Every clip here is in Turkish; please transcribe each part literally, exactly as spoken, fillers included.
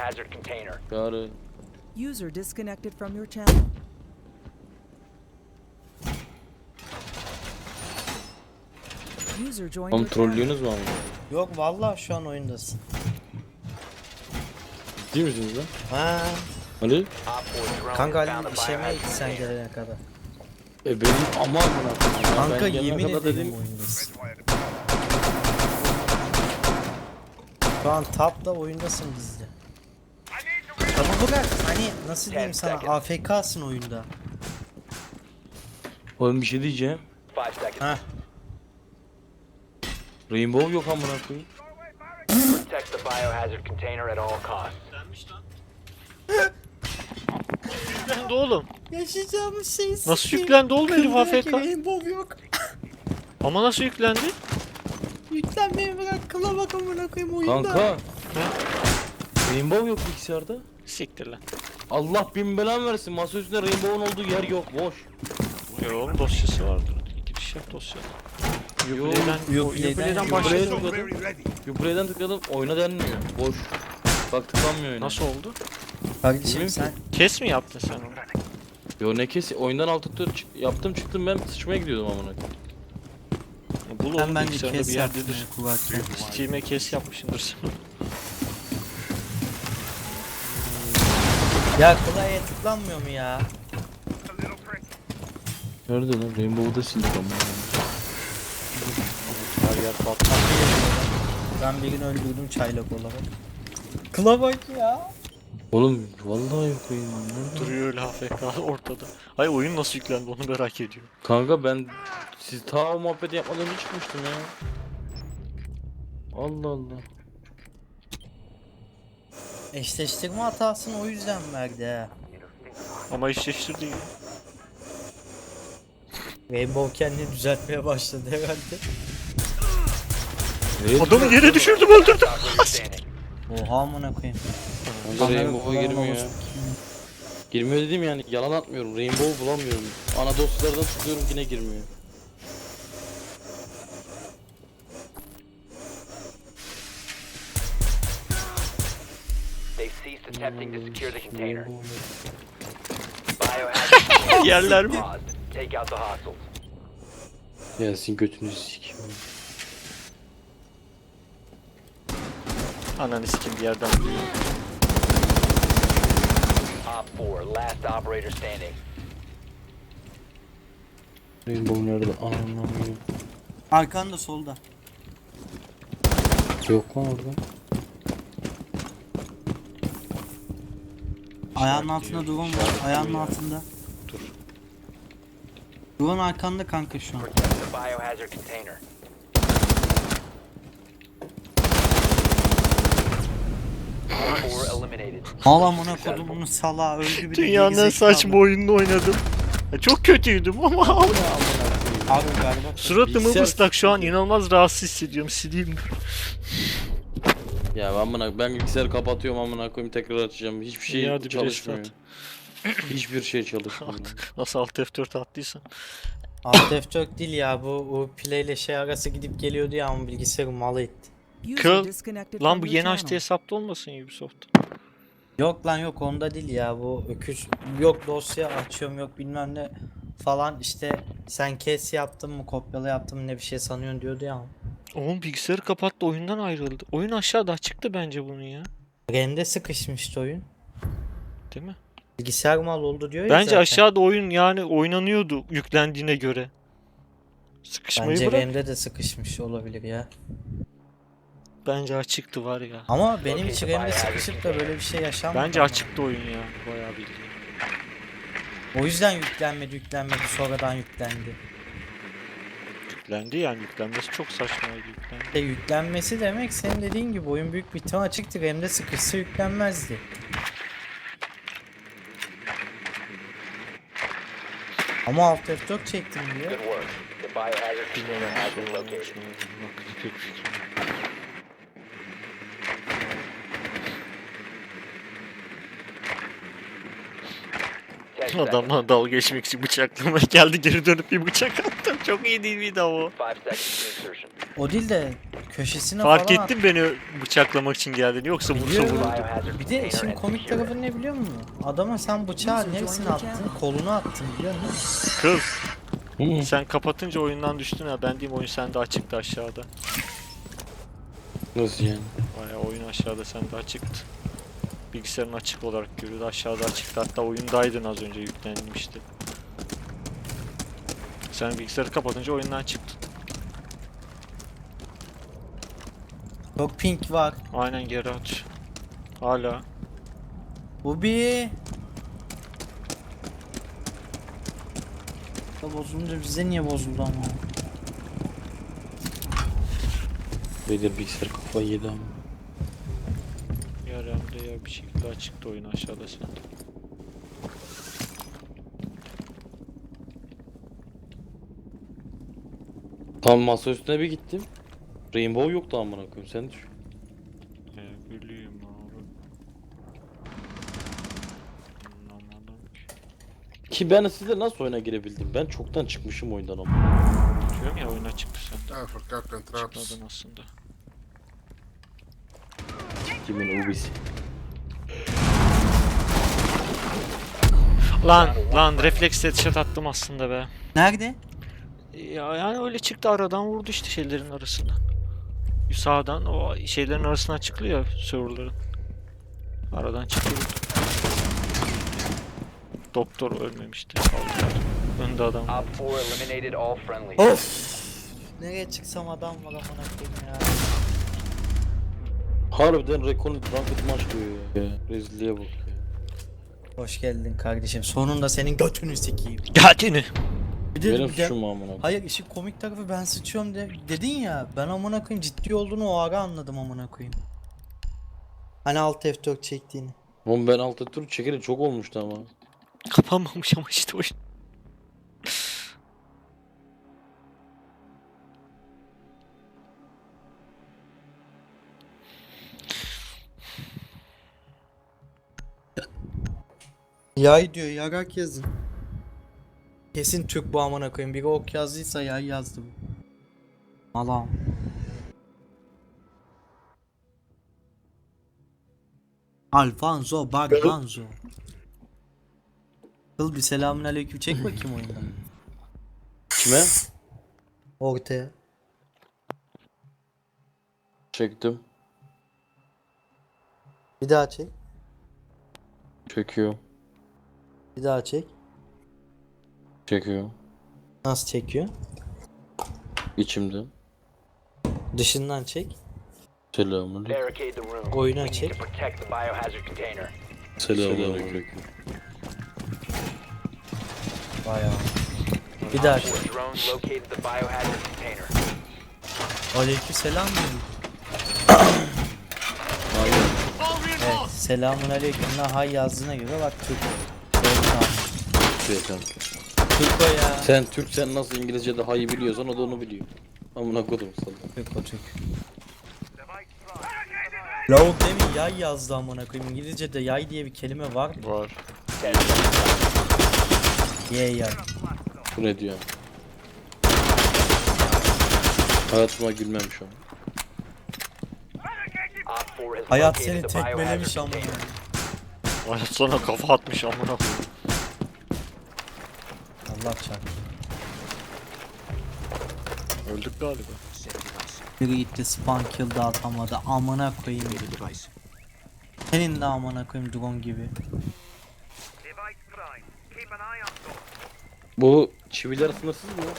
biohazard container. Çağrı. User disconnected from your channel. User joined Oğlum your channel. trollüyorsunuz mu ama? Yok vallahi şu an oyundasın. Ciddi misiniz lan? Ha. Ali? Op four drone Kanka has found Ali the işemeye biohazard gitti sen container. gelene kadar. E benim aman amına koyayım ya. Kanka Ben gelene yemin kadar ederim dedim. oyundasın. Şu an tapta oyundasın bizde. Ama bırak hani nasıl diyeyim sana A F K'sın oyunda. Oğlum bir şey diyeceğim. Five seconds. Ha. Rainbow yok amına koyayım. Protect the biohazard container at all costs. Yüklendi oğlum. Yaşayacağımız şey Nasıl yüklendi oğlum herif A F K? Rainbow yok. Ama nasıl yüklendi? Yüklenmeyi bırak kıla bak amına koyayım oyunda. Kanka. Rainbow yok bilgisayarda. Siktir lan. Allah bin belan versin. Masa üstünde Rainbow'un olduğu yer yok. Boş. Ya oğlum dosyası vardır. Giriş yap dosyada. Uplay'den, Uplay'den- Uplay'den Uplay başladı. tıkladım. Uplay'den tıkladım. Oyuna denmiyor. Boş. Bak tıklanmıyor oyuna. Nasıl oldu? Kardeşim Bilmiyorum sen Kes mi yaptın sen onu? Yo ne kesi? Oyundan alt tıklı çık- yaptım çıktım ben sıçmaya gidiyordum amına koyayım. Ya Bul sen oğlum bence bilgisayarda kes bir yaptın yerdedir. ya kulaklığı. Steam'e kes yapmışsındır sen. Ya klavye tıklanmıyor mu ya? Nerede lan? Rainbow'da sildik amına. Her yer patlar. Ben bir gün öldürdüm çaylak olarak. Klavye ya. Oğlum vallahi yok oyun. Nerede? Duruyor öyle A F K ortada. Ay oyun nasıl yüklendi onu merak ediyorum. Kanka ben siz ta o muhabbeti yapmadan önce çıkmıştım ya. Allah Allah. Eşleştirme hatasını o yüzden verdi ha. Ama eşleştirdi ya. Rainbow kendini düzeltmeye başladı herhalde. Evet. Adamı yere düşürdüm öldürdüm. Operator standing. Oha amına koyayım. Kanka Rainbow'a Kamera girmiyor ya. kullanmaması- Girmiyor dedim yani yalan atmıyorum. Rainbow bulamıyorum. Ana dosyalardan tıklıyorum yine girmiyor. They've ceased attempting to secure the container. Biohazard Yerler mi? paused. Take out the hostiles. Gelsin götünü sikeyim. Ananı sikim bir yerden duyuyor. Op four, last operator standing. Rainbow nerede? Anlamıyorum. Arkanda solda. Yok lan orada. Ayağının altında drone var. Ayağının altında. Dur. Drone arkanda kanka şu an. Protect the biohazard container. Op four eliminated. Al amına kodumun salağı öldü bir de Dünyanın en gerizekalı. saçma oyununu oynadım. Ya çok kötüydüm ama Abi galiba. suratımı Bilgisayar- ıslak şu an inanılmaz rahatsız hissediyorum sileyim. Ya ben amına ben bilgisayarı kapatıyorum amına koyayım tekrar açacağım. Hiçbir şey İyi, hadi bir çalışmıyor. restart. Hiçbir şey çalışmıyor. Nasıl alt F dört attıysan. Alt F dört değil ya bu o play ile şey arası gidip geliyordu ya ama bilgisayarı malı etti. User Kıl. disconnected Lan from bu your yeni channel. açtığı hesapta olmasın Ubisoft. Yok lan yok onda değil ya bu öküz yok dosya açıyorum yok bilmem ne falan işte sen kes yaptın mı kopyala yaptın mı ne bir şey sanıyorsun diyordu ya. Oğlum bilgisayarı kapattı oyundan ayrıldı. Oyun aşağıda çıktı bence bunun ya. RAM'de sıkışmıştı oyun. Değil mi? Bilgisayar mal oldu diyor ya Bence zaten. aşağıda oyun yani oynanıyordu yüklendiğine göre. Sıkışmayı Bence bırak. RAM'de de sıkışmış olabilir ya. Bence açıktı var ya. Ama benim için RAM'de sıkışıp da böyle bir şey yaşanmadı. Bence ama. açıktı oyun ya. Bayağı bildiğin. O yüzden yüklenmedi yüklenmedi sonradan yüklendi. Yüklendi yani yüklenmesi çok saçmaydı yüklendi. İşte yüklenmesi demek senin dediğin gibi oyun büyük bir ihtimal açıktı RAM'de sıkışsa yüklenmezdi. Ama Alt F dört çektim diyor. Good work. The biohazard Bilmiyorum. container has been located. Bak, pek fikrim yok. Ten seconds. Adamla dalga geçmek için bıçaklama geldi geri dönüp bir bıçak attım. Çok iyi değil miydi ama o? Five seconds to insertion. O değil de köşesine Fark falan ettin beni bıçaklamak için geldiğini, yoksa vursa Biliyorum. vururdu. Biohazard Bir de işin container and komik secure it. tarafı ne biliyor musun? Adama sen bıçağı neresine attın? Kolunu attın biliyor musun? Kız Hı. sen kapatınca oyundan düştün ha. Ben diyeyim oyun sende açıktı aşağıda. Nasıl yani? Baya oyun aşağıda sende açıktı. Bilgisayarın açık olarak görüyordu. Aşağıda açıktı. Hatta oyundaydın az önce, yüklenmişti. Sen bilgisayarı kapatınca oyundan çıktın. Çok pink var. Aynen, geri aç. Hala. Bu bir... Ya bozulunca bize niye bozuldu ama? Bedir bilgisayar kafayı yedi ama. Ya RAM'de ya bir şekilde açıktı oyun aşağıda sende. Tam masa üstüne bir gittim. Rainbow yoktu amına koyayım, sen düşün. Ne bileyim abi. Anlamadım ki. Ki ben sizle nasıl oyuna girebildim? Ben çoktan çıkmışım oyundan ama. Diyorum ya, oyuna çıktı sende. I forgot to traps. Çıkmadın aslında. Kimin ubisi? Lan lan refleks headshot attım aslında be. Nerede? Ya yani öyle çıktı, aradan vurdu işte şeylerin arasından. Sağdan o şeylerin arasından çıkıyor ya, serverların. Aradan çıktı vurdu. Doktor ölmemişti. Aldılar. Önde adam var. Op four eliminated all friendlies. Of! Nereye çıksam adam var amına koyayım ya. Harbiden Recon Ranked maç diyor ya. Rezilliğe bak ya. Hoş geldin kardeşim. Sonunda senin götünü sikeyim. Geldiğini. Bir de, Benim bir de- suçum mu amına koyayım? Hayır, işin komik tarafı ben sıçıyorum de, dedin ya, ben amına koyayım ciddi olduğunu o ara anladım amına koyayım. Hani alt F dört çektiğini. Oğlum ben altı tur çekeri çok olmuştu ama. Kapanmamış ama işte oyun. Yay diyor, yarak yazın. Kesin Türk bu amına koyayım. Biri ok yazdıysa yay yazdı bu. Allah'ım. Alfonso Barbanzo. Kıl bir selamünaleyküm çek bakayım oyundan. Kime? Ortaya. Çektim. Bir daha çek. Çekiyor. Bir daha çek. Çekiyor. Nasıl çekiyor? İçimde. Dışından çek. Selamünaleyküm. Barricade the room. Oyuna We need çek. to protect the biohazard container. Selamünaleyküm. Bayağı. Bir daha Op çek. four drone located the biohazard container. Aleyküm selam diyorum. Hayır. Evet, selamun aleyküm. La hay yazdığına göre bak Türk. Şey kanka. Türk o ya. Sen Türk, sen nasıl İngilizce'de hayı biliyorsan o da onu biliyor. Amına kodum sana. Türk o Türk. Lavuk demin yay yazdı amına koyayım. İngilizce'de yay diye bir kelime var mı? Var. Ye yay. Bu ne diyor? Hayatıma gülmem şu an. Op four has Hayat located seni the tekmelemiş biohazard amına. container. Hayat sana kafa atmış amına koyayım. Allah çarptı. Öldük galiba. Biri gitti spawn kill de atamadı. Amına koyayım. Senin de amına koyayım drone gibi. Bu çiviler sınırsız mı?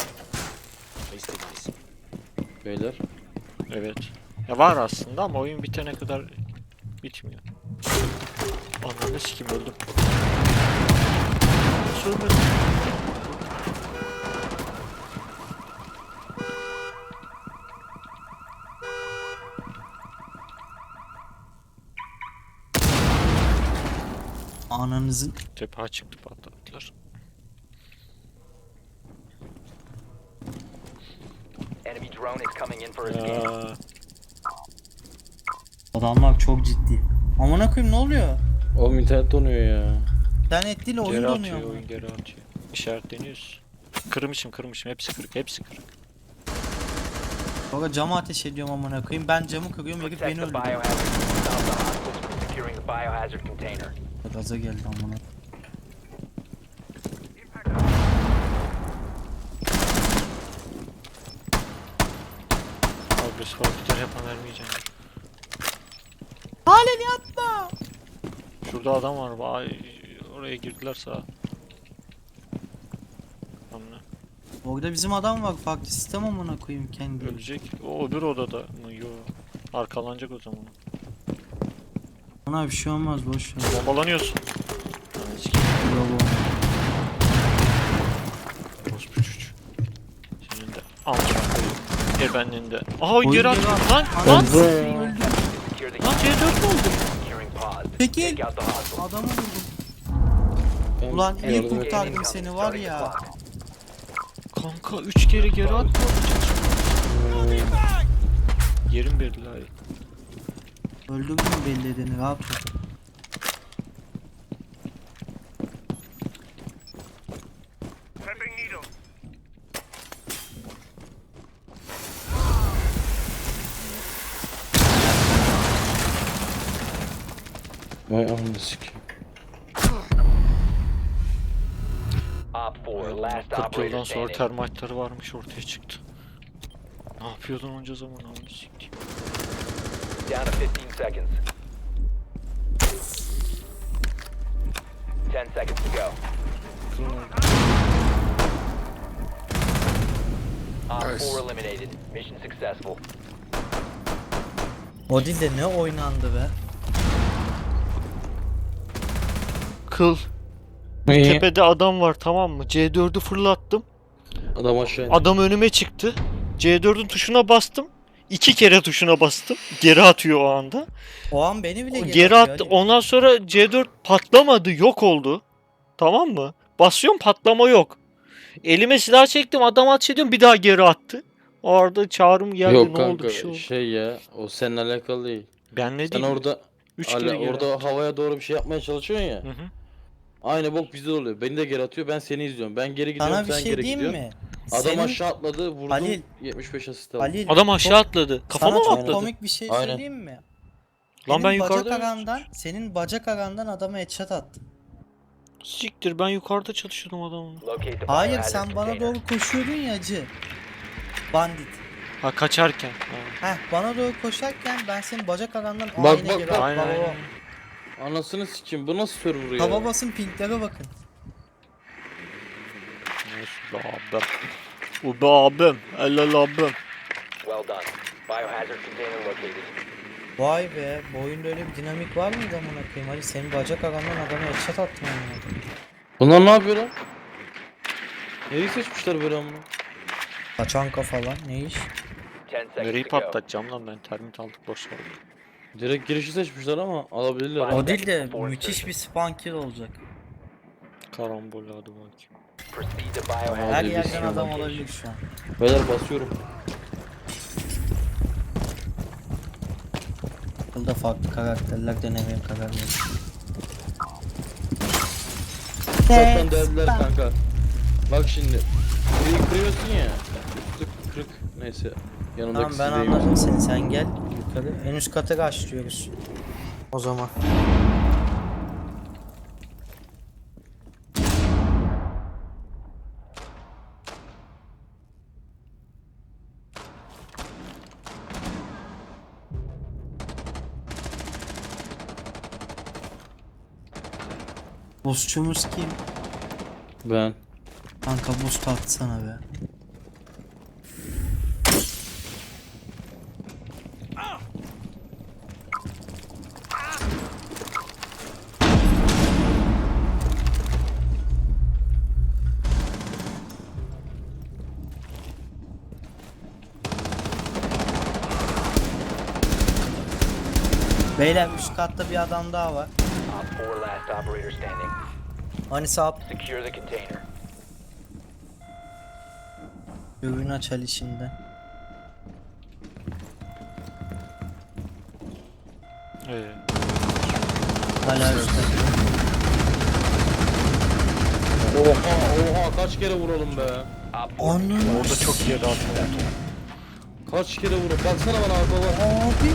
Beyler. Evet. Ya var aslında ama oyun bitene kadar bitmiyor. Ananı sikim, öldüm. Nasıl ölmedim? Ananızın. Tepe çıktı, patlattılar. Enemy drone is coming in for a scan. Ya. Adamlar çok ciddi. Amına koyayım ne oluyor? Oğlum internet donuyor ya. İnternet değil oyun Geri donuyor. atıyor, amına. oyun geri atıyor. İşaretleniyoruz. Kırmışım kırmışım, hepsi kırık, hepsi kırık. Baba cama ateş ediyorum amına koyayım. Ben camı kırıyorum herif Protect beni the öldürüyor. biohazard. Stop the hostiles from securing the biohazard container. Gaza geldi amına. Agresif hareketler yapan vermeyeceğim. Halen yapma. Şurada adam var. Vay, oraya girdiler sağa. Hamle. Orada bizim adam var. Farklı sistem amına koyayım kendi. Ölecek. O öbür odada mı? Yo. Arkalanacak o zaman. Ona bir şey olmaz boş ver. Bombalanıyorsun. Ananı sikeyim. Bravo. Orospu çocuğu. Senin de amına koyayım. Gebenliğin de. Aha Oyun geri at. geri at. Lan Ananı lan. sikeyim. Secure the Lan C dört mü oldu? securing pods. Çekil. Take out the hostiles. Adamı vurdum. Ben Ulan iyi yardım et- kurtardım seni var ya. Kanka üç kere geri at mı olacak? Yerim belli hayır. Öldürdün mü belli edeni rahat ol. Vay ananı sikeyim. Op four, last kırk operator yıldan sonra standing. termitleri varmış ortaya çıktı. Ne yapıyordun onca zaman amına sikeyim. Down to fifteen seconds. ten seconds to go. Op four eliminated. Mission successful. O değil de ne oynandı be. Kıl. Tepede adam var tamam mı? C dördü fırlattım. Adam aşağı indi. Adam önüme çıktı. C dördün tuşuna bastım. İki kere tuşuna bastım. Geri atıyor o anda. O an beni bile Geri, geri atıyor attı. Ali. Ondan sonra C dört patlamadı. Yok oldu. Tamam mı? Basıyorum patlama yok. Elime silah çektim. Adam ateş ediyorum. Bir daha geri attı. O arada çağrım geldi. Yok ne kanka oldu bir şey oldu. şey ya o seninle alakalı değil. Ben ne Sen diyeyim? orada Üç hala kere geri orada attı. havaya doğru bir şey yapmaya çalışıyorsun ya. Hı hı. Aynı bok bizde de oluyor. Beni de geri atıyor. Ben seni izliyorum. Ben geri gidiyorum. Sana bir sen şey geri diyeyim gidiyorsun. mi? Adam Senin- aşağı atladı. Vurdum. Halil. yetmiş beş asist aldım. Halil, Adam aşağı çok- atladı. Kafama sana mı çok atladı? komik bir şey Aynen. söyleyeyim mi? Lan ben Senin bacak yukarıda arandan, senin bacak arandan adama headshot attım. Siktir ben yukarıda çalışıyordum adamla. Locate the Hayır biohazard sen bana container. doğru koşuyordun ya acı. Bandit. Ha kaçarken. Ha. Heh bana doğru koşarken ben senin bacak arandan Bak, aynı bak, geri bak. attım. Aynen Baba, aynen. Anasını sikeyim. Bu nasıl server ya? Tava basın pinklere bakın. Neyse be abim. O be abim. Helal abim. Well done. Biohazard container located. Vay be bu oyunda öyle bir dinamik var mıydı amına koyayım? Hadi senin bacak arandan adama headshot attım amına koyayım. Bunlar ne yapıyor lan? Neyi seçmişler böyle amına? Kaçan kafalar ne iş? ten Nereyi seconds to go. patlatacağım lan ben termit aldık boş ver. Direkt girişi seçmişler ama alabilirler. Bak. ha. O değil de müthiş bir spawn kill olacak. Karambol hadi bakayım. Proceed to Hadi biohazard Her bir yerden şey adam location. olabilir şu an. Beyler basıyorum. Burada farklı karakterler denemeye karar verdim. Zaten derdiler kanka. Bak şimdi. Burayı kırıyorsun ya. Üstü kırık. Neyse. Yanındaki Tamam ben sizdeyim. anladım seni sen gel yukarı. En üst katı açlıyoruz. O zaman. Bossçumuz kim? Ben. Kanka boost atsana be. Beyler üst katta bir adam daha var. Op four last operator standing. Hani sağ Secure the container. ürün aç Ali şimdi. Ee, Hala üstte. Oha oha kaç kere vuralım be. Op four Ananı orada çok iyi attı. Kaç kere vurdum. Baksana bana abi baba. Abi.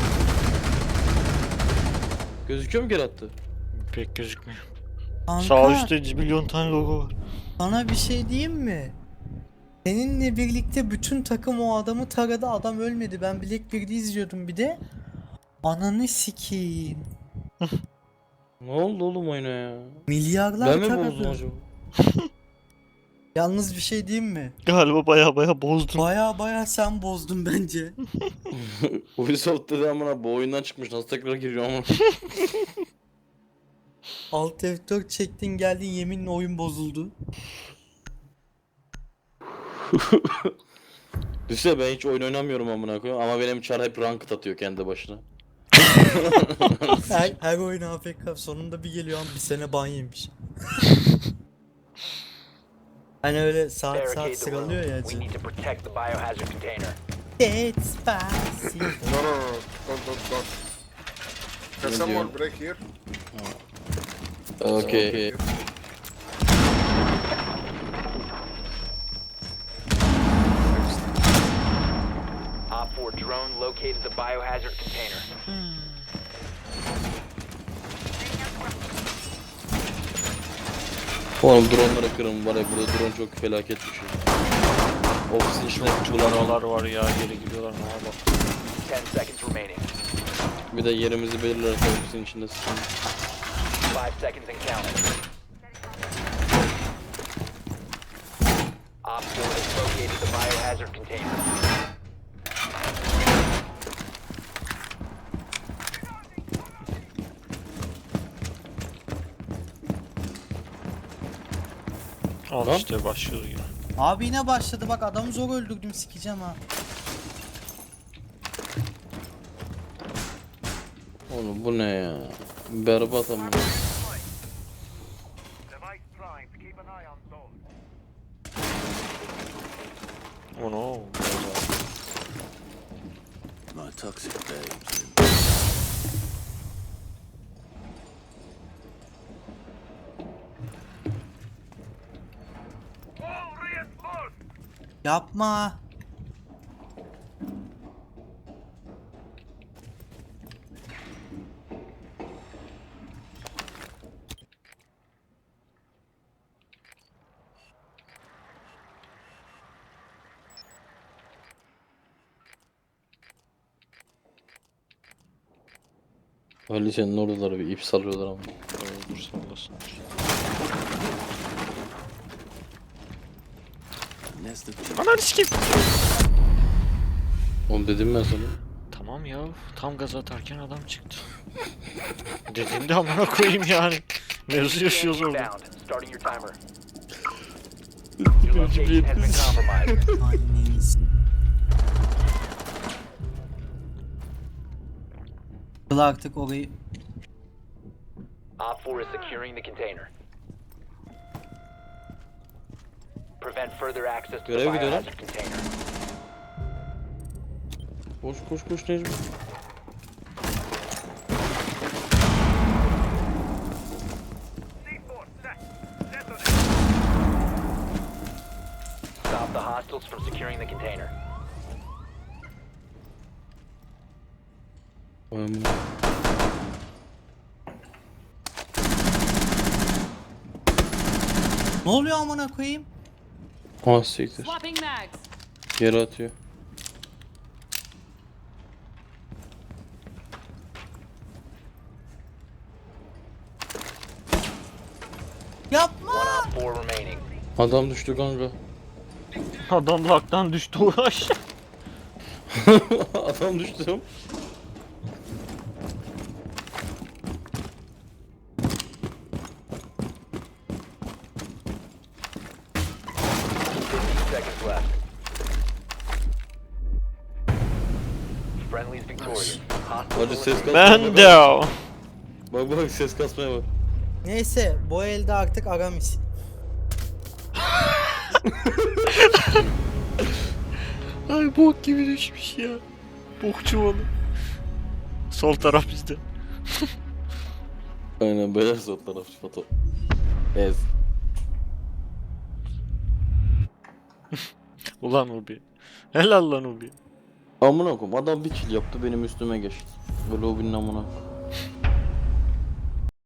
Gözüküyor mu geri attı? Pek gözükmüyor. Kanka, Sağ üstte milyon tane logo var. sana bir şey diyeyim mi? Seninle birlikte bütün takım o adamı taradı. Adam ölmedi. Ben Black birde izliyordum bir de. Ananı sikeyim. Ne oldu oğlum oyuna ya? Milyarlar Ben mi taradı. bozdum acaba? Yalnız bir şey diyeyim mi? Galiba baya baya bozdun. Baya baya sen bozdun bence. Ubisoft dedi amına bu oyundan çıkmış nasıl tekrar giriyor ama. Alt F dört çektin geldin yeminle oyun bozuldu. Düşünsene ben hiç oyun oynamıyorum amına koyayım ama benim çar hep ranked atıyor kendi başına. Her, her oyun A F K sonunda bir geliyor ama bir sene ban yemiş. Hani öyle saat Barricade saat the room. sıralıyor ya. We need to protect the biohazard container. Despacito. No, no, no, don't, don't, don't. Can Yeah, someone yeah. break here? Okay. Op four drone located the biohazard container. Oğlum drone'lara kırın var ya burada drone çok felaket bir şey. Ofisin içine kullanan Banalar var ya geri gidiyorlar ne var. Ten seconds remaining. bir de yerimizi belirlerse ofisin içinde sıkıntı. Five seconds and counting. Op four has located the biohazard container. Al Lan. işte başlıyor yine. Abi yine başladı bak adamı zor öldürdüm sikeceğim ha. Oğlum bu ne ya? Berbat ama. Oh no. My toxic babes. Yapma. Ali senin oradaları bir ip salıyorlar ama. Dur sallasın. Ananı sikeyim. Oğlum dedim ben sana. Tamam ya tam gaz atarken adam çıktı. Dediğimde amına koyayım yani. Mevzu yaşıyoruz orada. Inbound. Starting your timer. Your location has been compromised. Anneniz. Kıl artık orayı. Op four is securing the container. Prevent further access to the Görev gidiyor lan. biohazard container. Koş koş koş Necmi. Stop the hostiles from securing the container. Vay amına. Ne oluyor amına koyayım? Ah siktir. Swapping mags. Geri atıyor. Yapma. One op four remaining. Adam düştü kanka. Adam laktan düştü uğraş. Adam düştü. fifteen seconds left. Friendly's victorious. Hostiles Hadi ses eliminated. kasmaya Ben de o. Bak bak ses kasmaya bak. Neyse bu elde artık Aramis. Ay bok gibi düşmüş ya. Bok çuvalı. Sol taraf bizde. Aynen beyler sol taraf foto. Ez. Ulan Ubi. Helal lan Ubi. Amına koyayım adam bir kill yaptı benim üstüme geçti. Böyle o amına.